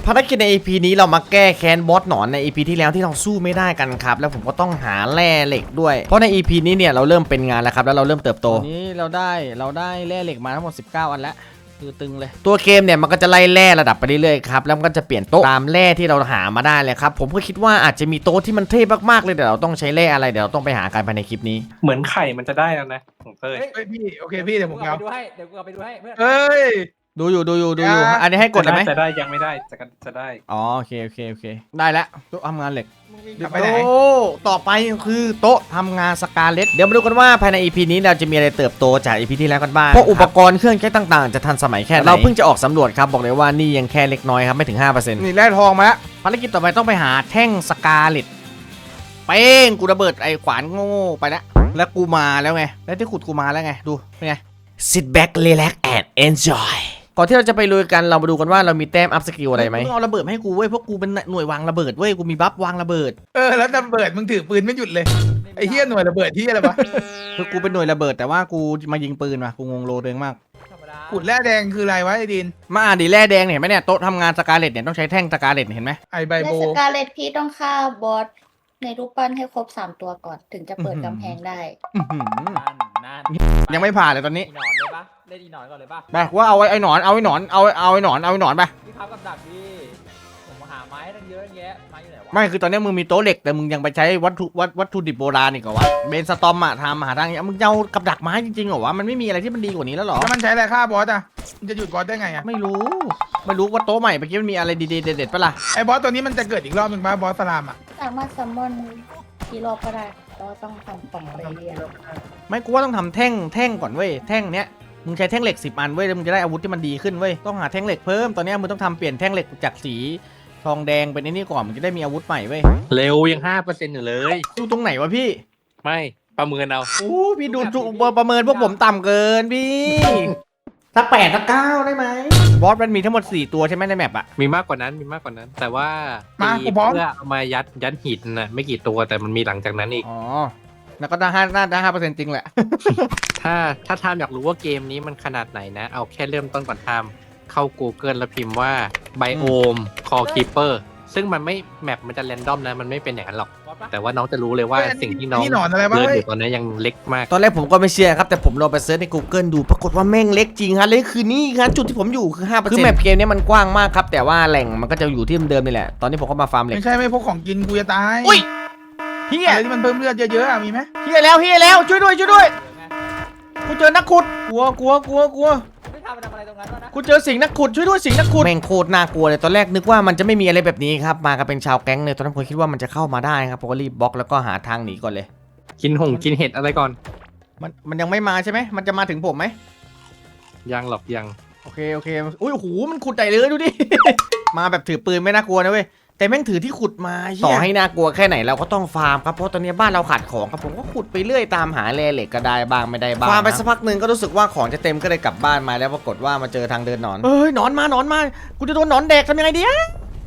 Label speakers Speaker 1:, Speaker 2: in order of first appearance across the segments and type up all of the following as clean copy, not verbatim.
Speaker 1: ภารกิจใน EP นี้เรามาแก้แค้นบอสหนอนใน EP ที่แล้วที่เราสู้ไม่ได้กันครับแล้วผมก็ต้องหาแร่เหล็กด้วยเพราะใน EP นี้เนี่ยเราเริ่มเป็นงานแล้วครับแล้วเราเริ่มเติบโตนี้เราได้แร่เหล็กมาทั้งหมด19อันแล้วคือตึงเลยตัวเกมเนี่ยมันก็จะไล่แร่ระดับไปเรื่อยๆครับแล้วมันก็จะเปลี่ยนโต๊ะตามแร่ที่เราหามาได้เลยครับผมก็คิดว่าอาจจะมีโต๊ะที่มันเท่มากๆเลยเดี๋ยวเราต้องใช้แร่อะไรเดี๋ยวเราต้องไปหากันภายในคลิปนี้
Speaker 2: เหมือนไข่มันจะได้แล้วนะของเต้ย
Speaker 3: เฮ้ยพี่โอเคพี่เดี๋ยวผมเอา
Speaker 4: เดี๋ยวกูเอาไปดูให้เพื่อน
Speaker 3: เฮ้ย
Speaker 1: ดูอยู่อันนี้ให้กดเลยไหม
Speaker 2: จะได้ยังไม่ได้จะได้
Speaker 1: อ๋อโอเคได้แล้วโต๊ะทำงานเหล็ก
Speaker 3: ไปไหน
Speaker 1: โอ้ต่อไปคือโต๊ะทำงานสกาเลตเดี๋ยวมาดูกันว่าภายใน EP นี้เราจะมีอะไรเติบโตจาก EP ที่แล้วกันบ้างเพราะอุปกรณ์เครื่องใช้ต่างๆจะทันสมัยแค่ไหนเราเพิ่งจะออกสำรวจครับบอกเลยว่านี่ยังแค่เล็กน้อยครับไม่ถึง 5%
Speaker 3: นี่แร่ทองมาแล้ว
Speaker 1: ภารกิจต่อไปต้องไปหาแท่งสกาเลตเป้งกูระเบิดไอ้ขวานโง่ๆไปแล้วกูมาแล้วไงแล้วที่ขุดกูมาแล้วไงดูเป็นไง Sit back relax and enjoyก่อนที่เราจะไปลุยกันเรามาดูกันว่าเรามีแต้มอัพสกิลอะไรไหมมึงเอาระเบิดมาให้กูเว้ยเพราะกูเป็นหน่วยวางระเบิดเว้ยกูมีบัฟวางระเบิด
Speaker 3: แล้วระเบิดมึงถือปืนไม่หยุดเลยไอ้เหี้ยหน่วยระเบิดที่อะไรวะ
Speaker 1: คือกูเป็นหน่วยระเบิดแต่ว่ากูมายิงปืนว่ะกูงงโลตัวเองมาก
Speaker 4: ธรรมดา
Speaker 3: ขุดแร่แดงคืออะไรวะไอ้ดิน
Speaker 1: มาอ่านดิแร่แดงเนี่ยเห็นไหมเนี่ยโต๊ะทำงานสกาเลตเนี่ยต้องใช้แท่งสกาเลตเห็นไหม
Speaker 3: ไอใบ
Speaker 5: ใน
Speaker 3: โบ
Speaker 5: สกาเลตพี่ต้องฆ่าบอสในรูปปั้นให้ครบ3ตัวก่อนถึงจะเปิดกำแพงได้
Speaker 1: อื้อหือ
Speaker 4: นั่น
Speaker 1: ยังไม่ผ่านเลยตอนนี้
Speaker 4: อีหนอนเลยปะเล่นอีหนอนก่อนเลยปะ
Speaker 1: ไปว่าเอาไอ้หนอนเอาไอ้หนอนเอาไอ้หนอนไป
Speaker 4: พี่ครับกับดักพี่ผมหาไม้ตั้งเยอะแยะไม้อยู่ไหนวะ
Speaker 1: ไม่คือตอนนี้มึงมีโต๊ะเหล็กแต่มึงยังไปใช้วัตถุดิบโบราณอีกเหรอวะเบนสตอมอะทำหาทางมึงจะเอากับดักไม้จริงๆเหรอวะมันไม่มีอะไรที่มันดีกว่านี้แล้วหรอ
Speaker 3: แล้วมันใช้อะไรฆ่าบอสอ่ะมันจะหยุดบอสได้ไงอ่ะ
Speaker 1: ไม่รู้ว่าโต๊ะใหม่เมื่อกี้มันมีอะไรดีๆเด็ดๆปะล่ะ
Speaker 3: ไอ้บอสตัวนี้มันจะเกิดอีกรอบหนึ่งป่ะบอสสลามอ่ะ
Speaker 5: สามารถซัมมอนกี่รอบก็ได้ก็ต้องทำป่องไปเรื่อย
Speaker 1: ไม่กูว่าต้องทำแท่งก่อนเว้ยแท่งเนี้ยมึงใช้แท่งเหล็ก10 อันเว้ยแล้วมึงจะได้อาวุธที่มันดีขึ้นเว้ยต้องหาแท่งเหล็กเพิ่มตอนนี้มึงต้องทำเปลี่ยนแท่งเหล็กจากสีทองแดงเป็นไอ้นี่ก่อนมึงจะได้มีอาวุธใหม่เว้ย
Speaker 2: เร็วยัง5%อยู่เลย
Speaker 1: ดูตรงไหนวะพี่
Speaker 2: ไม่ประเมินเอา
Speaker 1: โอ้พี่ดูประเมินพวกผมต่ำเกินพี่สัก8สัก9ได้ไหมบอสมันมีทั้งหมด4ตัวใช่ไหมในแมปอะ
Speaker 2: มีมากกว่านั้นแต่ว่าตีเพื่อเอามายัดหินนะไม่กี่ตัวแต่มันมีหลังจากนั้นอีก
Speaker 1: อ๋อแล้วก็ได้5%จริงแหละ
Speaker 2: ถ้าทามอยากรู้ว่าเกมนี้มันขนาดไหนนะ เอาแค่เริ่มต้นก่อนทามเข้า Google แล้วพิมพ์ว่าไบโอมคอคีเปอร์ซึ่งมันไม่แมปมันจะแรนดอมนะมันไม่เป็นอย่างนั้นหรอก
Speaker 4: บอสปะ
Speaker 2: แต่ว่าน้องจะรู้เลยว่าสิ่งที่น้อง
Speaker 3: นี่หนอนอะไรวะ
Speaker 2: เดิน
Speaker 3: เฮ้
Speaker 2: อย ยู่ตอนนี้ยังเล็กมาก
Speaker 1: ตอนแรกผมก็ไม่เชื่อครับแต่ผมลองไปเซิร์ชใน Google ดูปรากฏว่าแม่งเล็กจริงฮะเลยคือนี่ครับจุดที่ผมอยู่คือ 5%คือแมปเกมนี้มันกว้างมากครับแต่ว่าแหล่งมันก็จะอยู่ที่เดิมๆนี่แหละตอนนี้ผมก็มาฟาร์มเหล็ก
Speaker 3: ไม่ใช่ไม่พวกของกินกูจะตาย
Speaker 1: อุ้ยเฮีย
Speaker 3: อะไรที่มันเพิ่มเลือดเยอะๆอะมีไหม
Speaker 1: เฮียแล้วช่วยด้วยกูเจอนักขุดกลัว
Speaker 4: ไม่ทำอะไรตรงนั้นวะนะ
Speaker 1: กูเจอสิงนักขุดช่วยด้วยสิงนักขุดแม่งโคตรน่ากลัวเลยตอนแรกนึกว่ามันจะไม่มีอะไรแบบนี้ครับมากันเป็นชาวแก๊งเลยตอนนั้นผมคิดว่ามันจะเข้ามาได้ครับผมก็รีบบล็อกแล้วก็หาทางหนีก่อนเลย
Speaker 2: กินเห็ดอะไรก่อน
Speaker 1: มันยังไม่มาใช่ไหมมันจะมาถึงผมไหม
Speaker 2: ยังหรอกยัง
Speaker 1: โอเคอุ้ยโอ้โหมันขุดใหญ่เลยดูดิ มาแบบถือปืนไม่น่ากลัวนะเว้ยแต่แม่งถือที่ขุดมาต่อให้น่ากลัวแค่ไหนเราก็ต้องฟาร์มครับเพราะตอนนี้บ้านเราขาดของครับผมก็ขุดไปเรื่อยตามหาแร่เหล็กก็ได้บ้างไม่ได้บ้างฟาร์มไปสักพักหนึ่งก็รู้สึกว่าของจะเต็มก็เลยกลับบ้านมาแล้วปรากฏว่ามาเจอทางเดินหนอนเอ้ยหนอนมากูจะโดนหนอนแดกทำยังไงดีอะ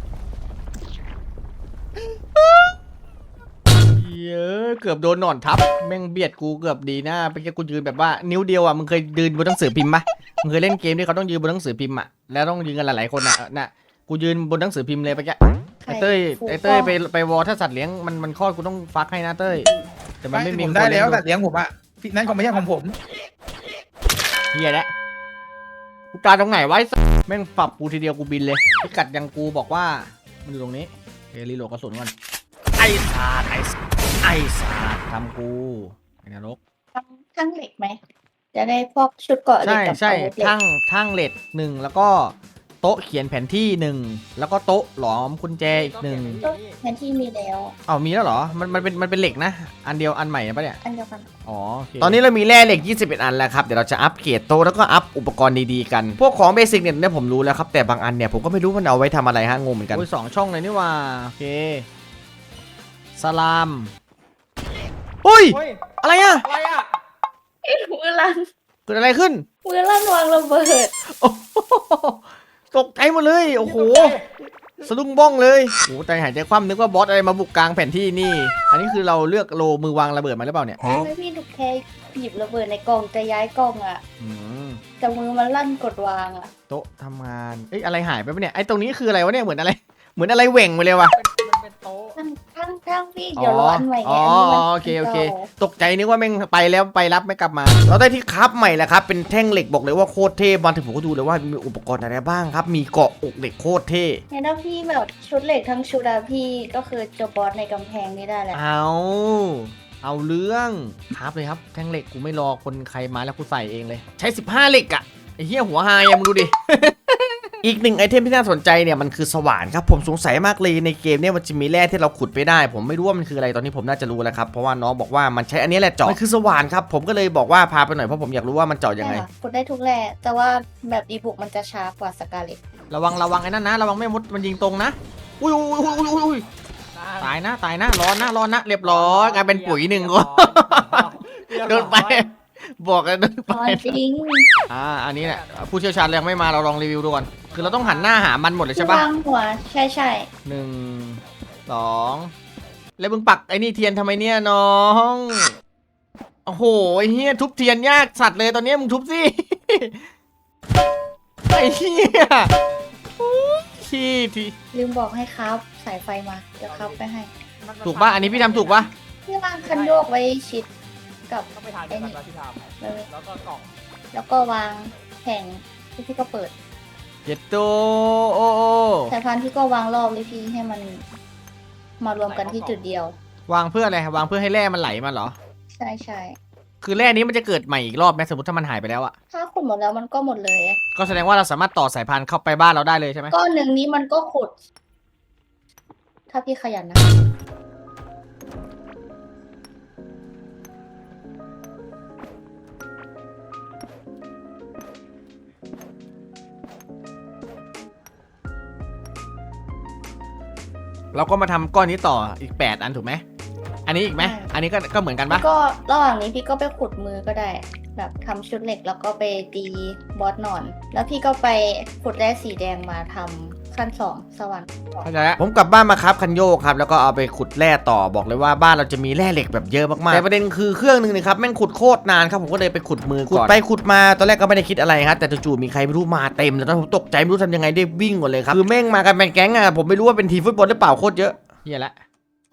Speaker 1: เยอะเกือบโดนหนอนทับแม่งเบียดกูเกือบดีนะเมื่อกี้กูยืนแบบว่านิ้วเดียวอ่ะมึงเคยยืนบนหนังสือพิมพ์ปะมึงเคยเล่นเกมที่เขาต้องยืนบนหนังสือพิมพ์อ่ะแล้วต้องยืนกันหลายๆคนอ่ะน่ะกูยืนบนหนังสือพิมพ์เลยไปแก
Speaker 5: ๆ
Speaker 1: ไอ้เต้ยไปวอลถ้าสัตว์เลี้ยงมันคลอดกูต้องฟักให้นะเต้ยแต่มันไม่มี
Speaker 3: ผมได้แล้ว
Speaker 1: คน
Speaker 3: แต่
Speaker 1: เลี้ยง
Speaker 3: เลี้ยงผมอ่ะพี่นั่นคงไม่ใช่ของผม
Speaker 1: เฮียแล้วกูตายตรงไหนไว้แม่งปรับกูทีเดียวกูบินเลยพิกัดยังกูบอกว่ามันอยู่ตรงนี้เฮรีโหลดกระสุนก่อนไอ้สาดทำกูไอ้นรก
Speaker 5: ทั้งเหล็กไหมจะได้พวกชุดเกราะเหล็กกับ
Speaker 1: ใช่
Speaker 5: อาวุธเหล็ก
Speaker 1: ทั้งเลด1แล้วก็โต๊ะเขียนแผนที่1แล้วก็โต๊ะหลอมกุญแจอีก1
Speaker 5: แทนที่มีแล้ว
Speaker 1: อ้าวมีแล้วเหรอมันเป็นเหล็กนะอันเดียวอันใหม่นะปะเนี่ย
Speaker 5: อันเดียวกัน
Speaker 1: อ๋อโอเคตอนนี้เรามีแร่เหล็ก21 อันแล้วครับเดี๋ยวเราจะอัปเกรดโต๊ะแล้วก็อัพอุปกรณ์ดีๆกันพวกของเบสิกเนี่ยผมรู้แล้วครับแต่บางอันเนี่ยผมก็ไม่รู้มันเอาไว้ทำอะไรฮะงงเหมือนกันโอ้ย2 ช่องเลยนี่ว่าโอเคสลามเฮ้ย
Speaker 4: เฮ้ย
Speaker 1: อะไรอะ
Speaker 4: อะไรอ่ะ
Speaker 5: มือลั่น
Speaker 1: เกิดอะไรขึ้น
Speaker 5: มือลั่นวางระเบิด
Speaker 1: โอ้โหตกใจหมดเลยโอ้โหสะดุ้งบ้องเลยโอ้ใจหายใจคว่ำนึกว่าบอสอะไรมาบุกกลางแผนที่นี่อันนี้คือเราเลือกโลมือวางระเบิดมาหรือเปล่าเนี่ย
Speaker 5: ไม่พี่ถูกแค่หยิบระเบิดในกล่องจะย้ายกล่องอ่ะ
Speaker 1: อืม
Speaker 5: แต่มือมันลั่นกดวางอ่ะ
Speaker 1: โต๊ะทำงานเอ้ยอะไรหายไปปะเนี่ยไอ้ตรงนี้คืออะไรวะเนี่ยเหมือนอะไรเหว่งไปเลยวะ
Speaker 4: มันเป็นโต๊ะ
Speaker 5: ทั้งพี่เดี๋ยวรออันใหม่ไง
Speaker 1: อ๋อ
Speaker 5: อันนี้มัน
Speaker 1: โอเคตกใจนึกว่าแม่งไปแล้วไปรับไม่กลับมา เราได้ที่ครับใหม่แล้วครับเป็นแท่งเหล็กบอกเลยว่าโคตรเท่มาถึงผมก็ดูเลยว่ามีอุปกรณ์อะไรบ้างครับมีเกาะอกเหล็กโคตรเท่
Speaker 5: เนี่ยถ้าพี่แบบชุดเหล็กทั้งชุดอะพี่ก็คือจบบอสในกำแพงนี้ได้แล้ว
Speaker 1: เอาเรื่องครับเลยครับแท่งเหล็กกูไม่รอคนใครมาแล้วกูใส่เองเลย ใช้15เหล็กอะไอ้เหี้ยหัวหายมึงดูดิ อีกหนึ่งไอเทมที่น่าสนใจเนี่ยมันคือสว่านครับผมสงสัยมากเลยในเกมเนี่ยมันจะมีแร่ที่เราขุดไปได้ ผมไม่รู้ว่ามันคืออะไรตอนนี้ผมน่าจะรู้แล้วครับเพราะว่าน้องบอกว่ามันใช้อันนี้แหละเจาะมันคือสว่านครับผมก็เลยบอกว่าพาไปหน่อยเพราะผมอยากรู้ว่ามันเจาะยังไง
Speaker 5: ใช่ค่ะกดได้ทุกแร่แต่ว่าแบบดีบุกมันจะช้ากว่าสกาเลต
Speaker 1: ระวังไอ้นั่นนะระวังแม่มดมันยิงตรงนะอุ้ยตายนะร้อนนะเรียบร้อยกลายเป็นปุ๋ยหนึ่งคนเดินไปบอกกันเดินไป
Speaker 5: อ๋อจริง
Speaker 1: อันนี้แหละผู้เชี่ยวชาญยังไม่มาเราลองรีวิวดูก่อนคือเราต้องหันหน้าหามันหมดเลย
Speaker 5: ที่
Speaker 1: ใช่ปะ
Speaker 5: วางหัวใช่
Speaker 1: 1 2แล้วมึงปักไอ้นี่เทียนทำไมเนี่ยน้องโอ้โหไอ้เหี้ยทุบเทียนยากสัตว์เลยตอนนี้มึงทุบสิ ไอ้เหี้ยที่
Speaker 5: ลืมบอกให้ครับสายไฟมาเดี๋ยวครับไปให้
Speaker 1: ถูกป่ะอันนี้พี่ทำถูกป่ะ
Speaker 5: พี่วางคันโยกไว้ชิดกับ
Speaker 4: ต้องไปทานกันแล้วที่ทำ
Speaker 5: เลย
Speaker 4: แล้วก็กล่อง
Speaker 5: แล้วก็วางแผงที่พี่ก็เปิด
Speaker 1: เจ็ดโตโอ
Speaker 5: สายพานพี่ก็วางรอบเลยพี่ให้มันมารวมกันที่จุดเดียว
Speaker 1: วางเพื่ออะไรวางเพื่อให้แร่มันไหลมาเหรอ
Speaker 5: ใช่
Speaker 1: คือแร่นี้มันจะเกิดใหม่อีกรอบไหมสมมติถ้ามันหายไปแล้วอะ
Speaker 5: ถ้าขุดหมดแล้วมันก็หมดเลย
Speaker 1: ก็แสดงว่าเราสามารถต่อสายพานเข้าไปบ้านเราได้เลยใช่ไหม
Speaker 5: ก้อนหนึ่งนี้มันก็ขุด ถ้าพี่ขยันนะ
Speaker 1: เราก็มาทำก้อนนี้ต่ออีก8อันถูกไหมอันนี้อีกไหมอันนี้ก็เหมือนกันปะ
Speaker 5: ก็ระหว่างนี้พี่ก็ไปขุดมือก็ได้ แบบทำชุดเหล็กแล้วก็ไปตีบอสหนอน แล้วพี่ก็ไปขุดแร่สีแดงมาทำขั้น2สวรรค์
Speaker 1: เข้าใจแล้วผมกลับบ้านมาครับคันโยกครับแล้วก็เอาไปขุดแร่ต่อบอกเลยว่าบ้านเราจะมีแร่เหล็กแบบเยอะมากๆแต่ประเด็นคือเครื่องนึงนะครับแม่งขุดโคตรนานครับผมก็เลยไปขุดมือก่อนขุดไปขุดมาตอนแรกก็ไม่ได้คิดอะไรครับแต่จู่ๆมีใครไม่รู้มาเต็มแล้วผมตกใจไม่รู้ทำยังไงได้วิ่งหมดเลยครับคือแม่งมากันเป็นแก๊งอะผมไม่รู้ว่าเป็นทีมฟุตบอลหรือเปล่าโคตรเยอะเฮียละ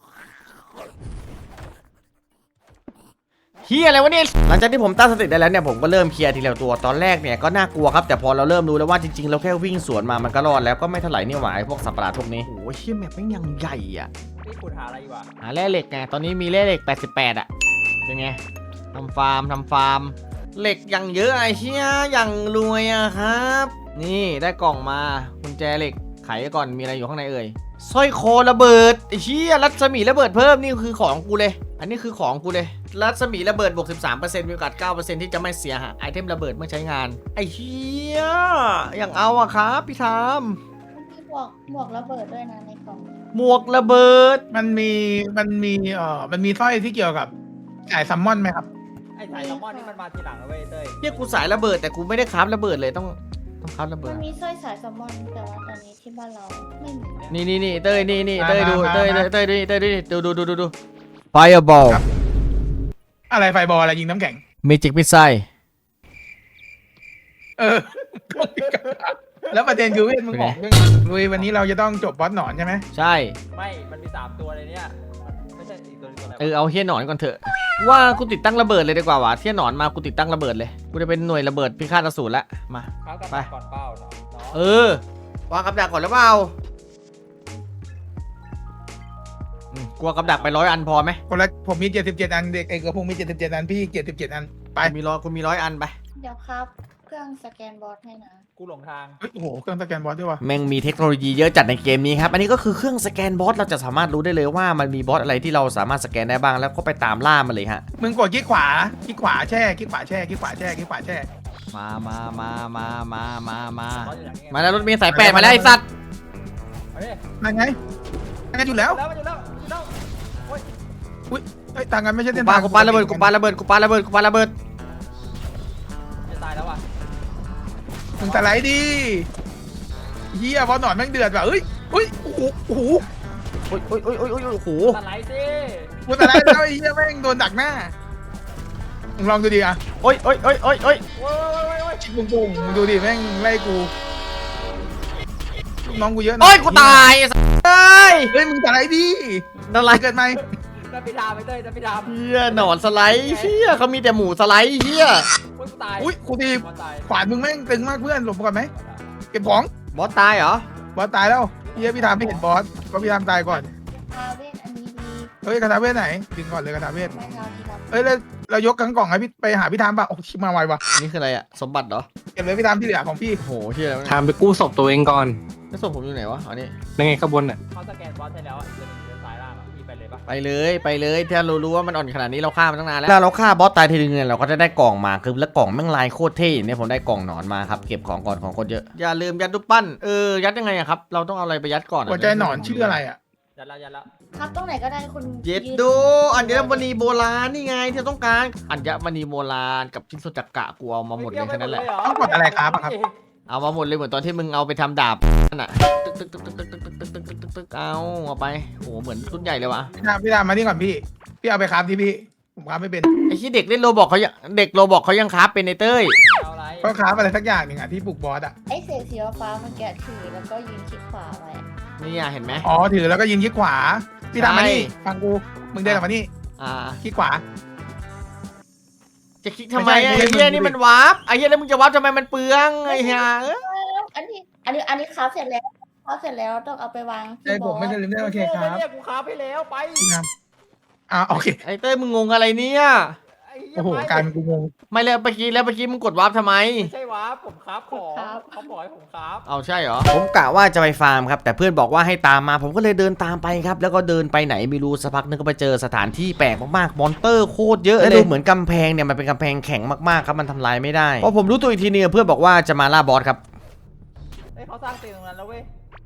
Speaker 1: เฮียอะไรวะเนี่ยหลังจากที่ผมตั้งสติได้แล้วเนี่ยผมก็เริ่มเคลียร์ทีละตัวตอนแรกเนี่ยก็น่ากลัวครับแต่พอเราเริ่มรู้แล้วว่าจริงๆเราแค่วิ่งสวนมามันก็รอดแล้วก็ไม่เท่าไหร่นี่หว่าไอ้พวกสัตว์ประหลาดพวกนี้โอ้ยเฮียแมปแม่งยังใหญ่อะ
Speaker 4: นี่ขุดหาอะไรอยู่อ่ะ
Speaker 1: หาแร่เหล็กไงตอนนี้มีแร่เหล็ก88อะเป็นไงทำฟาร์มเหล็กอย่างเยอะไอ้เชี่ยอย่างรวยอะครับ นี่ได้กล่องมากุญแจเหล็กไขก่อนมีอะไรอยู่ข้างในเอ่ยสร้อยคอระเบิดไอ้เชี่ยรัศมีระเบิดเพิ่มนี่คือของกูเลยอันนี้คือของกูเลยรัศมีระเบิดบวก 13% มีโอกาส 9% ที่จะไม่เสียหายไอเทมระเบิดเมื่อใช้งานไอ้เชี่ยอย่างเอาอะครับพี่ทาม
Speaker 5: มีหมวกระเบิดด้วยนะในกล่อง
Speaker 1: หมวกระเบิด
Speaker 3: มันมีสร้อยที่เกี่ยวกับสายซัมมอนไหมครับ
Speaker 4: ไอ้สายแซลมอนนี่มันมาทีหลังนะเว้ยเต้ย
Speaker 1: เฮียกูสายระเบิดแต่กูไม่ได้คราฟระเบิดเลยต้องคราฟระเบิ
Speaker 5: มั
Speaker 1: ด
Speaker 5: นมีสร้อยสายแซลมอนแต่ว่าตอนนี้ที่บ้านเราไม่มี
Speaker 1: นี่เต้ยนี่เต้ยดู
Speaker 3: มา
Speaker 1: เต้ยดู Fireball
Speaker 3: ครับ อะไรไฟบอลอะไรยิงน้ำแข็ง
Speaker 1: Magic Missile
Speaker 3: เออ แล้วประเด็นคือเวทมึงบอกเรื่องลุยวันนี้เราจะต้องจบบอสหนอนใช่ไหม
Speaker 1: ใช่
Speaker 4: ไม่มันมี3ตัวเลยเนี่ยไม่ใช่อีกตัวนึงตัวอะไร
Speaker 1: เอาเฮียหนอนก่อนเถอะว่ากูติดตั้งระเบิดเลยดีกว่าวะเฮียหนอนมากูติดตั้งระเบิดเลยกูจะเป็นหน่วยระเบิดพิฆาตอสูรละมา
Speaker 4: เขากัน
Speaker 1: ไป
Speaker 4: ก่อนเป้าเนาะ
Speaker 1: วางกับดักก่อนหรือเปล่ากลัวกับดักไป100 อันพอไหม
Speaker 3: คนละผมมี77อันเด็กเอกพงศ์มี77อันพี่77อันไป
Speaker 1: คุณมี100 อันไป
Speaker 5: เดี๋ยวครับเครื่องสแกนบอสให้นะ
Speaker 4: กูหลงทาง
Speaker 3: เฮ้ยโอ้โหเครื่องสแกนบอสด้วยวะ
Speaker 1: แม่งมีเทคโนโลยีเยอะจัดในเกมนี้ครับอันนี้ก็คือเครื่องสแกนบอสเราจะสามารถรู้ได้เลยว่ามันมีบอสอะไรที่เราสามารถสแกนได้บ้างแล้วก็ไปตามล่ามันเลยฮะ
Speaker 3: มึงกดคลิกขวาแช่คลิกขวาแช่คลิกขวาแช่คลิกขวาแช่
Speaker 1: มา
Speaker 4: บอสอยู่ไหนเนี่ย
Speaker 1: มาแล้วรถเมล์สาย8มาแล้วไอ้สัตว์
Speaker 4: เอาดิ
Speaker 3: นั่นไงนั่นอยู่แล้ว
Speaker 4: มันอยู่แล้วโอ้ย
Speaker 3: เฮ้ยต่างกันไม่ใช่
Speaker 1: กู
Speaker 3: เส้น
Speaker 1: ปา
Speaker 3: ทาง
Speaker 1: กูปาระเบิดกูปาระเบิด
Speaker 4: จะตายแล้วว่ะ
Speaker 3: มึงสไลด์ดิเฮียบอสหนอนแม่งเดือดว่ะเฮ้ยโอ้โห
Speaker 1: โอ้โห
Speaker 4: สไลด์สิ
Speaker 3: กูสไลด์แล้วไอ้เฮียแม่งโดนดักหน้ามึงลองดูดิอ่ะ
Speaker 1: โอ้ย
Speaker 4: โอ้ย
Speaker 3: ชิคปุ้งปุ้งมึงดูดิแม่งไล่กู
Speaker 4: โ
Speaker 3: น้องกูเยอะนะ
Speaker 1: โอ้ยกูตายไอ้สัสเอ้ย
Speaker 3: เฮ้ยมึงสไลด์ดิ
Speaker 1: นั่นไร
Speaker 3: เกิดไหม
Speaker 4: จะไปดามไปเต้ยจะไปดาม
Speaker 1: เฮียหนอนสไลด์เฮียเขามีแต่หมูสไลด์เฮีย
Speaker 4: อุ้ยกูตาย
Speaker 3: อุ้ยครูที
Speaker 4: บอลตาย
Speaker 3: ขวานมึงแม่งตึงมากเพื่อนหลบก่อนไหมเก็บของ
Speaker 1: บอสตายเหรอ
Speaker 3: บอสตายแล้วเฮียพี่ทามไม่เห็นบอสเพราะพี่ทามตายก่อน
Speaker 5: คาเว่นอันนี้ดี
Speaker 3: เฮ้ยคาถาเวทไหนดึงก่อนเลยคาถาเวท
Speaker 5: ไม่เท่าที่รับ
Speaker 3: เอ้ยแล้วเรายกทั้งกล่องให้พี่ไปหาพี่ทามป่ะโอ้ชิบมาไวว่ะ
Speaker 1: นี่คืออะไรอะสมบัติเหรอ
Speaker 3: เก็บเลยพี่ทามที่เหลือของพี่
Speaker 1: โหเฮียอะไรวะเนี่ย
Speaker 2: ทำไปกู้ศพตัวเองก่อน
Speaker 1: แล้วศพผมอยู่ไหนวะอ๋อนี่
Speaker 2: ยังไงขบวนน่ะ
Speaker 4: เขาสแกนบอลใช่แล้วอ่ะเดินซ้ายล่างอ่ะพี่ไปเลยปะ
Speaker 1: ไปเลยไปเลยถ้าเรารู้ว่ามันอ่อนขนาดนี้เราฆ่ามันตั้งนานแล้วเราฆ่าบอสตายทีนึงเนี่ยเราก็จะได้กล่องมาคือแล้วกล่องแม่งลายโคตรเท่เนี่ยผมได้กล่องหนอนมาครับเก็บของก่อนของคนเยอะอย่าลืมยัดรูปปั้นยัดยังไงอะครับเราต้องเอาอะไรไปยัดก่อนอะ
Speaker 3: หัวใจหนอนชื่ออะไรอ่ะ
Speaker 4: ยัดแล้ว
Speaker 5: ครับตรงไหนก็ได้คุณ
Speaker 1: เย็ด
Speaker 5: ยืน
Speaker 1: โดอัญมณีโบราณนี่ไงที่เราต้องการอัญมณีโบราณกับชิ้นส่วนจักระกูเอามาหมดเลยแค่นั้นแหละ
Speaker 3: ต้องกดอะไรครับอะครับ
Speaker 1: เอามาหมดเลยเหมือนตอนที่มึงเอาไปทำดาบนั่นน่ะตึกตึกตึกตึกตึกตึกตึกตึกตึกตึกตึกเอาไปโหเหมือนรุ่นใหญ่เลยวะ
Speaker 3: พี่ทามมานี่ก่อนพี่เอาไปครับที่พี่ผมครับไม่เป็น
Speaker 1: ไอ้ที่เด็กเล่นโรบอกเขายังเด็กโรบอกเขายังคราฟเป็นในเต้ย
Speaker 4: เอาอะไร
Speaker 3: ก็ครับอะไรสักอย่างหนึ่งอ่ะที่ปลุกบอสอ่ะ
Speaker 5: ไอ้เศษสีฟ้ามันแกะถือแล้วก็ยืนคลิกขวาไว้
Speaker 1: นี่อะเห็นไหม
Speaker 3: อ๋อถือแล้วก็ยิงคลิกขวาพี่ทามมานี่
Speaker 1: ใช่
Speaker 3: ฟังกูมึงเดินออกมานี่
Speaker 1: อ่า
Speaker 3: คลิกขวา
Speaker 1: จะคลิกทำไม
Speaker 3: ไม่
Speaker 1: ไอ้
Speaker 3: ใช่
Speaker 1: เหี้ย
Speaker 3: มึง
Speaker 1: นี่มันวาร์ปไอ้เหี้ยแล้วมึงจะวาร์ปทำไมมันเปลืองไอ้เหี้ย
Speaker 5: อันนี้ครับเสร็จแล้วครับเสร็จแล้วต้องเอาไปวาง
Speaker 3: ใจผมไม่เคยลืมได้โอเคครับ
Speaker 4: เนี่ยกูค้าไปแล้วไป
Speaker 3: พี่ทามโอเค
Speaker 1: ไอ้เต้ยมึงงงอะไรเนี่ย
Speaker 4: ไอ้เหี้ย
Speaker 3: โอ้โห
Speaker 4: ไป
Speaker 3: กลายเป็นกูงง
Speaker 1: ไม่แล้วเมื่อกี้มึงกดวาร์ปทำไม
Speaker 4: ไม่ใช่วะผมครับของเขาบอกให้ผมครับ
Speaker 1: เอาใช่เหรอ ผมกะว่าจะไปฟาร์มครับแต่เพื่อนบอกว่าให้ตามมาผมก็เลยเดินตามไปครับแล้วก็เดินไปไหนไม่รู้สักพักนึงก็ไปเจอสถานที่แปลกมากๆมอนเตอร์โคตรเยอะเลยดูเหมือนกำแพงเนี่ยมันเป็นกำแพงแข็งมากๆครับมันทำลายไม่ได้พอผมรู้ตัวอีกทีนึงเพื่อนบอกว่าจะมาล่าบอสครับ
Speaker 4: เฮ้ยเขาสร้างเตียงตรงนั้นแล้วเว้ย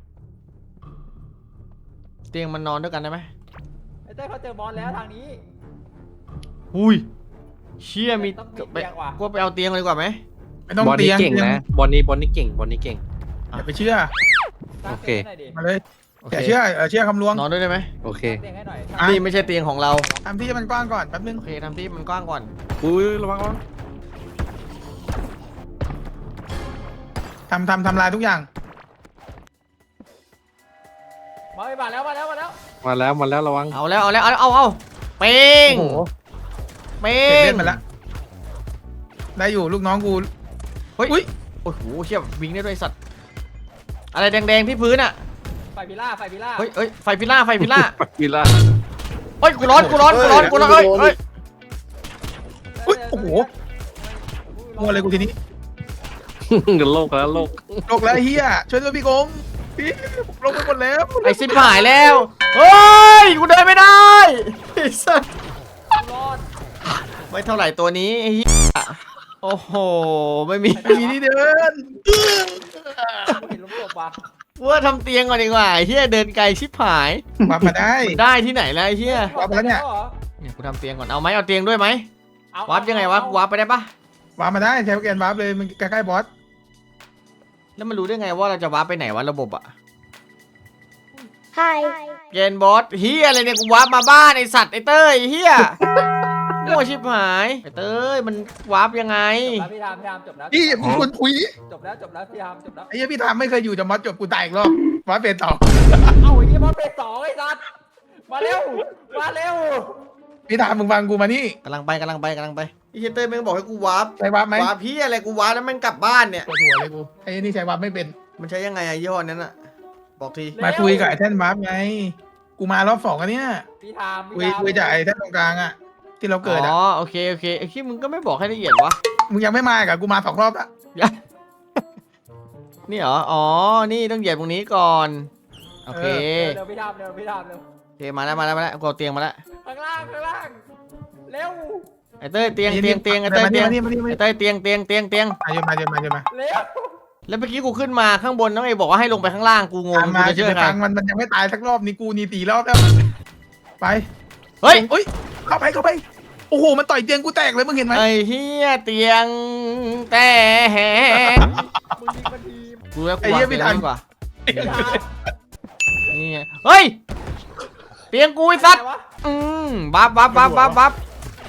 Speaker 1: เตียงมันนอนด้วยกันได้ไหม
Speaker 4: ไอ้เต้ยเขาเจอบอลแล้วทางนี้
Speaker 1: อุ้ยเชี่ยมี
Speaker 4: ต้องมี
Speaker 1: ไป
Speaker 4: เตียงว่ะ
Speaker 1: กูไปเอาเตียงเลยดีกว่าไหม
Speaker 3: ไม่ต้อง
Speaker 2: บอล
Speaker 3: เตี
Speaker 2: นี้
Speaker 3: ยง
Speaker 2: เก่งนะบอลนี้เก่งบอลนี้เก่ง
Speaker 3: อย่าไปเชื่อ
Speaker 4: สร้าง
Speaker 2: โอเค
Speaker 4: เตียงให้หน่อยดิ
Speaker 3: มาเลย
Speaker 1: โอ
Speaker 3: อย่า
Speaker 1: เค
Speaker 3: เชื่อเชื่อคำลวง
Speaker 1: นอนด้วยได้ไหม
Speaker 2: โอเค
Speaker 4: สร้างเตียงให้หน่อย
Speaker 3: อ่ะ
Speaker 1: นี่ไม่ใช่เตียงของเรา
Speaker 3: ทำที่มันกว้างก่อนแป๊บนึง
Speaker 1: โอเคทำที่มันกว้างก่อน
Speaker 2: อุ้ยระวังระวัง
Speaker 3: ทำลายทุกอย่าง
Speaker 4: มาแล้ว
Speaker 2: มาแล้วระวัง
Speaker 1: เอาเป้ง
Speaker 3: โอ้โห
Speaker 1: เป้
Speaker 3: เสร็จ
Speaker 1: ง
Speaker 3: เล่นมาแล้วได้อยู่ลูกน้องกู
Speaker 1: เฮ้ย
Speaker 3: อุ๊ย
Speaker 1: โอ้โหเชี่ยวิ่งได้ด้วยสัตว์อะไรแดงๆที่พื้นอ่ะ
Speaker 4: ไฟพิล่า
Speaker 1: เฮ้ยไฟพิล่า
Speaker 2: วิลล่า
Speaker 1: เฮ้ยกูร้อนเฮ้ย
Speaker 3: อุ๊ยโอ้โหมัวเลยกูทีนี้
Speaker 2: เดี๋ยวโลกแล้วโลก
Speaker 3: โลกแล้วเฮียช่วยด้วยพี่กงพี่ผมลงไปหมดแล้ว
Speaker 1: ไอ้ซิบหายแล้วเฮ้ยกูเดินไม่ได้ไอ้สัส
Speaker 4: รอด
Speaker 1: ไม่เท่าไหร่ตัวนี้ไอ้เหี้ยโอ้โหไม่มี
Speaker 3: ไม่มีที่เดิน
Speaker 4: เห็นลูกศพว่ะ
Speaker 1: ว่าทำเตียงก่อนดีกว่าไอ้เฮียเดินไกลชิบหาย
Speaker 3: มามาได้
Speaker 1: ได้ที่ไหนแล้วไอ้เฮีย
Speaker 3: วับไปแล้วเนี่ย
Speaker 1: เนี่ยกูทำเตียงก่อนเอาไหมเอาเตียงด้วยไหม
Speaker 4: เอา
Speaker 1: วาร์ปยังไงวะกูวาร์ปไปได้ปะ
Speaker 3: วาร์ปมาได้ใช้โปรแกรมวาร์ปเลยมันใกล้ๆบอส
Speaker 1: แล้วมันรู้ได้ไงว่าเราจะวาร์ปไปไหนวะระบบอะ
Speaker 5: ไฮ
Speaker 1: เกณฑ์บอสเฮียอะไรเนี่ยกูวาร์ปมาบ้านไอสัตว์ไอเต้ยไอ้เฮียมั่วชิบหายไอเต้ยมันวาร์ปยังไง
Speaker 4: จบแล้วพี่ทามจบแล้ว
Speaker 3: พี่ผมคนคุย
Speaker 4: จบแล้วพี่ทามจบแล้ว
Speaker 3: ไอ้เหี้ยพี่ทำไม่เคยอยู่จะมอสจบกูตายอีกรอบวาร์ปเป็นต่อ
Speaker 4: เอาไอ้เหี้ยบอลเป็น2ไอ้สัตว์มาเร็ว
Speaker 3: พี่ทำมึงฟังกูมานี่
Speaker 1: กำลังไปไอเฮียเต้ยแม่งบอกให้กูวาร์ป
Speaker 3: ใช้วาร์ปไหม
Speaker 1: วาร์ปพี่อะไรกูวาร์ปแล้วแม่งกลับบ้านเนี่ย
Speaker 3: ปวดหัวเลยกูไอ้นี่ใช้วาร์ปไม่เป็น
Speaker 1: มันใช้ยังไงอะยี่ห้อนั้นอะบอกที
Speaker 3: มาคุยกับไอ้แท่นวาร์ปไงกูมารอบ2อันเนี้ย
Speaker 4: พี่ทาม
Speaker 3: คุยจากไอ้แท่นตรงกลางอะที่เราเกิดอะ
Speaker 1: อ๋อโอเคไอ้ที่มึงก็ไม่บอกให้ละเอียดวะ
Speaker 3: มึงยังไม่มากับกูมา2 รอบละ
Speaker 1: นี่เหรออ๋อนี่ต้องเหยียบตรงนี้ก่อนโอเค
Speaker 4: เร็วพี่ทามเร็ว
Speaker 1: โอเคมาแล้วกูเอาเตียงมาแล้ว
Speaker 4: ข้างล่างเร็ว
Speaker 1: ไอ้เต้ยเตียงไอ้เต้ยเตียง
Speaker 3: มานี่มานี่มานี่
Speaker 1: ไอ้เต้ยเตียง
Speaker 3: มาเยอะมา
Speaker 4: เร็ว
Speaker 1: แล้วเมื่อกี้กูขึ้นมาข้างบนน้องเอบอกว่าให้ลงไปข้างล่างกูงง
Speaker 3: มา
Speaker 1: กูจะเชื่อใคร
Speaker 3: ฟังมันยังไม่ตายสักรอบนี่กูนี่4 รอบแล้วไป
Speaker 1: เฮ้ย
Speaker 3: เฮ้ยเข้าไปโอ้โหมันต่อยเตียงกูแตกเลยมึงเห็นไหม
Speaker 1: ไอ้เฮียเตียงแต่แหง
Speaker 4: มึงยิงมันที
Speaker 1: กูแล้วกูวางเตียงดีกว่า
Speaker 4: พี่ทาม
Speaker 1: นี่ไงเฮ้ยเตียงกูไอ้สัตว์บับ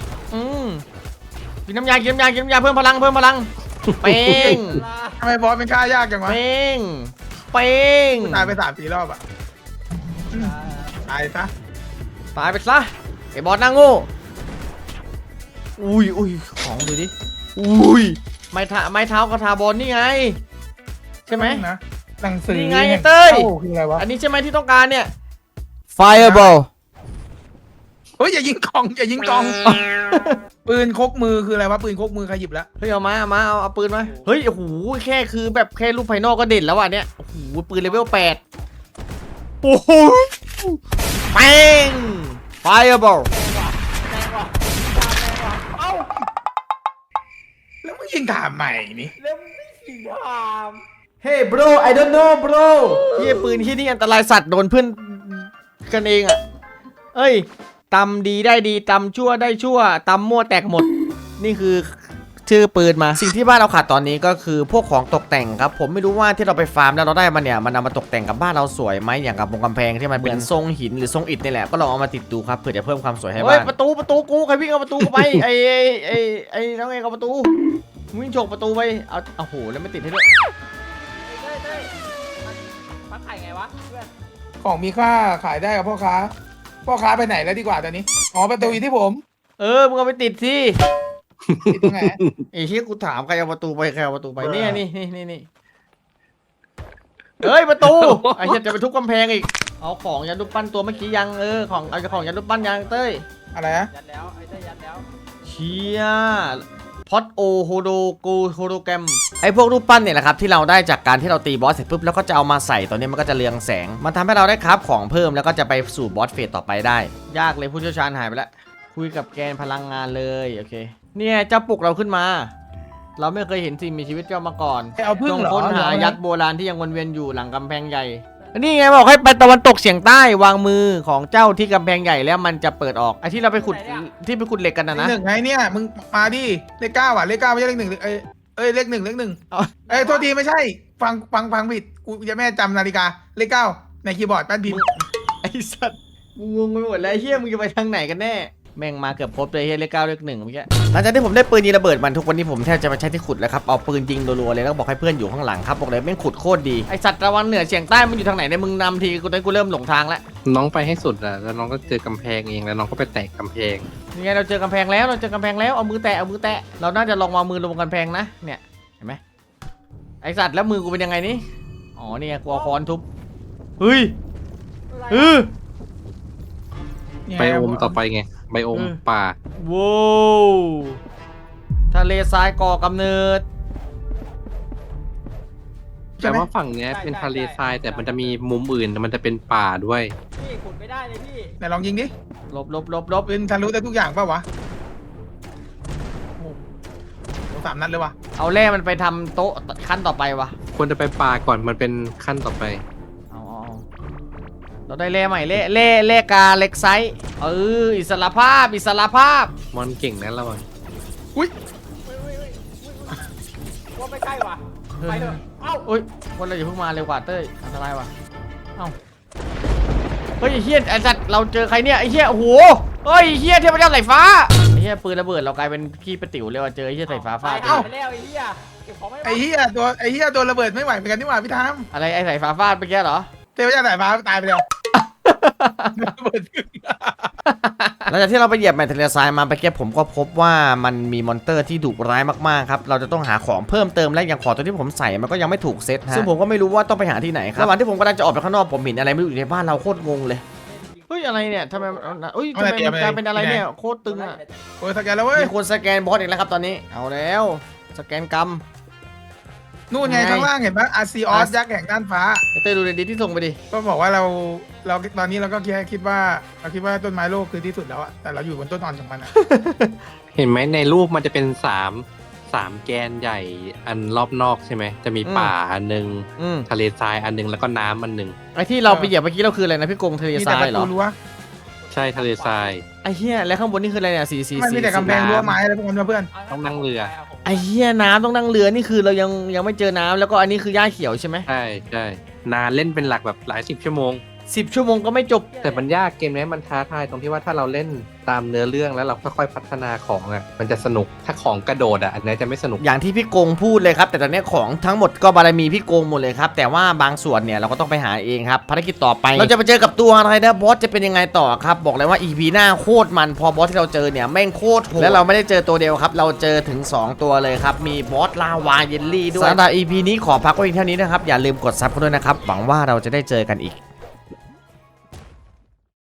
Speaker 1: กินน้ำยาเพิ่มพลังเป้ง
Speaker 3: ทำไมบอสเป็นค่ายากจังวะ
Speaker 1: เป้งเป้ง
Speaker 3: ตายไป3-4 รอบอ่ะตายซะ
Speaker 1: ตายไปซะไอ้บอสหน้าโง่อุ้ยของดูดิอุ้ยไม้เท้ากระทาบอลนี่ไงใช่ไหม
Speaker 3: นะหนังสือ
Speaker 1: นี่ไงเต้ย
Speaker 3: คืออะไรวะ
Speaker 1: อันนี้ใช่ไหมที่ต้องการเนี่ย Fireball
Speaker 3: เฮ้ยอย่ายิงกองอย่ายิงกอง ปืนคกมือคืออะไรวะปืนคกมือใครหยิบแล้ว
Speaker 1: เฮ้ยเอาเอาปืนมาเฮ้ยโอ้โหแค่คือแบบแค่รูปภายนอกก็เด่นแล้วอ่ะเนี่ยโอ้โหปืนเลเวล8โอ้โหแป้ง Fireball
Speaker 3: แล้วมึงยิงถามใหม่นี่
Speaker 4: แล้วไม่สีหาม
Speaker 1: Hey bro I don't know bro เฮียปืนที่นี่อันตรายสัตว์โดนเพื่อนกันเองอ่ะเอ้ยตำดีได้ดีตำชั่วได้ชั่วตำมั่วแตกหมด นี่คือชื่อปืนมาสิ่งที่บ้านเราขาดตอนนี้ก็คือพวกของตกแต่งครับผมไม่รู้ว่าที่เราไปฟาร์มแล้วเราได้มันเนี่ยมันเอามาตกแต่งกับบ้านเราสวยไหมอย่างกับวงกำแพงที่มันเป็นทรงหินหรือทรงอิฐนี่แหละก็ลองเอามาติดดูครับเพื่อจะเพิ่มความสวยให้บ้านประตูกูใครวิ่งเอาประตูไป ไอ้น้องเองเอาประตูวิ่งฉกประตูไปเอาโอ้โหแล้วไม่ติดให้ด้วย
Speaker 4: เต้ยมันฟักไข่ไงวะเพื่อน
Speaker 3: ของมีค่าขายได้กับพ่อค้าไปไหนแล้วดีกว่าตอนนี้อ๋อประตูอยู่ที่ผม
Speaker 1: มึงเอาไปติดสิ
Speaker 3: อยู่ตรงไหน
Speaker 1: ไอ้ที่กูถามใครเอาประตูไปใครเอาประตูไปเนี่ยนี่เอ้ยประตูไอ้เหี้ยจะไปทุบกำแพงอีกเอาของยันรูปปั้นตัวเมื่อกี้ยังของเอาของยันรูปปั้นยังเต้ย
Speaker 3: อะไรนะ
Speaker 4: ยัดแล้วไอ้เต้ยยัดแล้ว
Speaker 1: เชียพอดโอโฮโดโกโฮโดแกรมไอ้พวกรูปปั้นเนี่ยแหละครับที่เราได้จากการที่เราตีบอสเสร็จปุ๊บแล้วก็จะเอามาใส่ตอนนี้มันก็จะเรืองแสงมันทำให้เราได้คราฟของเพิ่มแล้วก็จะไปสู่บอสเฟสต่อไปได้ยากเลยผู้เชี่ยวชาญหายไปแล้วคุยกับแกนพลังงานเลยโอเคเนี่ยจะปลุกเราขึ้นมา เราไม่เคยเห็นสิ่งมีชีวิตเจ้ามาก่อน
Speaker 3: เอาพึ่ง
Speaker 1: จง
Speaker 3: เหรอ
Speaker 1: ค้นหายักษ์โบราณที่ยังวนเวียนอยู่หลังกำแพงใหญ่นี่ไงบอกให้ไปตะวันตกเฉียงใต้วางมือของเจ้าที่กำแพงใหญ่แล้วมันจะเปิดออกไอ้ที่เราไปขุดที่ไปขุดเหล็กกันนะ
Speaker 3: เลขหนึ่งไงเนี่ยมึงมาดิเลข 9อ่ะเลข 9ไม่ใช่เลข 1เลข 1เลข 1
Speaker 1: เอา
Speaker 3: โทษทีไม่ใช่ฟังผิดกูจะแม่จำนาฬิกาเลข 9ในคีย์บอร์ดแป้นพิมพ์
Speaker 1: ไอ้สัตว์กูงงไปหมดแล้วเฮียมึงจะไปทางไหนกันแน่แม่งมาเกือบครบเลยเฮียเลข 9เลข 1เมื่อกี้หลังจากที่ผมได้ปืนยิงระเบิดมันทุกวันนี้ผมแทบจะมาใช้ที่ขุดแล้วครับเอาปืนยิงรัวๆเลยแล้วบอกให้เพื่อนอยู่ข้างหลังครับบอกเลยแม่งขุดโคตรดีไอสัตว์ตะวันเหนือเฉียงใต้มันอยู่ทางไหนเนี่ยมึงนำทีกูเริ่มหลงทางแล้ว
Speaker 2: น้องไปให้สุดอะแล้วน้องก็เจอกำแพงเองแล้วน้องก็ไปแตกกำแพง
Speaker 1: นี่ไงเราเจอกำแพงแล้วเอามือแตะเราน่าจะลองวางมือลงกำแพงนะเนี่ยเห็นไหมไอสัตว์แล้วมือกูเป็นยังไงนี่อ๋อนี่ไงกูเอาค้อนทุบเฮ้ย
Speaker 2: ไบโอมต่อไปไงไบโอมป่า
Speaker 1: ว้าวทะเลทรายก่อกำเนิด
Speaker 2: แต่ว่าฝั่งเนี้ยเป็นทะเลทรายแต่มันจะมีมุมอื่นมันจะเป็นป่าด้วย
Speaker 4: พี่ขุดไม่ได้เลยพี่
Speaker 3: ไหนลองยิงดิ
Speaker 1: ลบ
Speaker 3: ปืนทะลุได้ทุกอย่างป่าวะโอ้โห3 นัดเลยวะ
Speaker 1: เอาแร่มันไปทำโต๊ะขั้นต่อไปวะ
Speaker 2: ควรจะไปป่าก่อนมันเป็นขั้นต่อไป
Speaker 1: เอาเราได้แร่ใหม่แร่กาเล็กไซส์อิสระภาพ
Speaker 2: มอนเก่งนะเราอะ
Speaker 4: ว่าไม่ใช่ว่ะไปเถอะเอ้า
Speaker 1: อุ้ยวันเราอย่าเพิ่งมาเร็วกว่าเต้ยอันตรายวะเอ้าเฮ้ยไอ้เฮียไอ้สัตว์เราเจอใครเนี่ยไอ้เฮียโอ้โหเฮ้ยไอ้เฮียเทพเจ้าสายฟ้าไอ้เฮียปืนระเบิดเรากลายเป็นขี้ประติ๋วเลยว่ะเจอไอ้เฮียสายฟ้าฟาด
Speaker 4: เอ้าไปแล้วไอ้เหี้ยเก็บของไม่ไหว
Speaker 3: ไอ้เหี้ยโดนระเบิดไม่ไหวเหมือนกันนี่หว่าพี่ทาม
Speaker 1: อะไรไอ้สายฟ้าฟาดไปแกเหรอ
Speaker 3: เทพเจ้าสายฟ้าตายไปแล้วระเบิดขึ้น
Speaker 1: หลังจากที่เราไปเหยียบแมทเทอเรียลทรายมาไปแก้ผมก็พบว่ามันมีมอนเตอร์ที่ดุร้ายมากๆครับเราจะต้องหาของเพิ่มเติมและอย่างของตัวที่ผมใส่มันก็ยังไม่ถูกเซตฮะซึ่งผมก็ไม่รู้ว่าต้องไปหาที่ไหนครับระหว่างที่ผมกำลังจะออกไปข้างนอกผมเห็นอะไรไม่รู้อยู่ในบ้านเราโคตรงงเลยเฮ้ยอะไรเนี่ยทำไมทำไมมันกลายเป็นอะไรเนี่ยโคตรตึงอ่ะ
Speaker 3: โอ้ยสแกนแล้วเว้ย
Speaker 1: มีคนสแกนบอสอีกแล้วครับตอนนี้เอาแล้วสแกนกรรม
Speaker 3: นู่นไงข้างล่างเห็นปะอาซีออสยักษ์แห่งด้านฟ้า
Speaker 1: เต้ยดูในดีที่ส่งไปดิ
Speaker 3: ก็บอกว่าเราตอนนี้เราก็แค่คิดว่าต้นไม้โลกคือที่สุดแล้วอะแต่เราอยู่บนต้นอ่อนของมันอะ
Speaker 2: เห็นไหมในรูปมันจะเป็นสามแกนใหญ่อันรอบนอกใช่ไหมจะมีป่าอันนึงทะเลทรายอันนึงแล้วก็น้ำอันนึง
Speaker 1: ไอที่เราไปเหยียบเมื่อกี้เราคืออะไรนะพี่กงทะเล
Speaker 3: มี
Speaker 1: ท
Speaker 3: แต่
Speaker 1: ราย
Speaker 3: ประ
Speaker 1: เหร
Speaker 3: ตู
Speaker 1: อ
Speaker 3: รั้ว
Speaker 2: ใช่ทะเลทราย
Speaker 1: ไอเหี้ยแล้วข้างบนนี่คืออะไรเนี่ยสี
Speaker 3: มันมีแต่กำแพงรั้วไม้อะไรพวกนั้นนะเพื่อน
Speaker 2: ต้องนั่งเรือ
Speaker 1: ไอเหี้ยน้ำต้องนั่งเรือนี่คือเรายังไม่เจอน้ำแล้วก็อันนี้คือหญ้าเขียวใช่ไหม
Speaker 2: ใช่นานเล่นเป็นหลักแบบหลาย10 ชั่วโมง
Speaker 1: 10 ชั่วโมงก็ไม่จบ
Speaker 2: แต่มันยากเกมนี้มันท้าทายตรงที่ว่าถ้าเราเล่นตามเนื้อเรื่องแล้วเราค่อยๆพัฒนาของอ่ะมันจะสนุกถ้าของกระโดดอ่ะอันนี้จะไม่สนุก
Speaker 1: อย่างที่พี่โกงพูดเลยครับแต่ตอนนี้ของทั้งหมดก็บารมีพี่โกงหมดเลยครับแต่ว่าบางส่วนเนี่ยเราก็ต้องไปหาเองครับภารกิจต่อไปเราจะไปเจอกับตัวอะไรนะบอสจะเป็นยังไงต่อครับบอกเลยว่า EP หน้าโคตรมันพอบอสที่เราเจอเนี่ยแม่งโคตรโหดและเราไม่ได้เจอตัวเดียวครับเราเจอถึง 2 ตัวเลยครับมีบอสลาวาเยลลี่ด้วยสำหรับ EP นี้ขอพักไว้เพียงเท่านี้นะครับอย่าลืมกดซับกันด้วยนะครับหวังว่าเราจะได้เจอกันอีก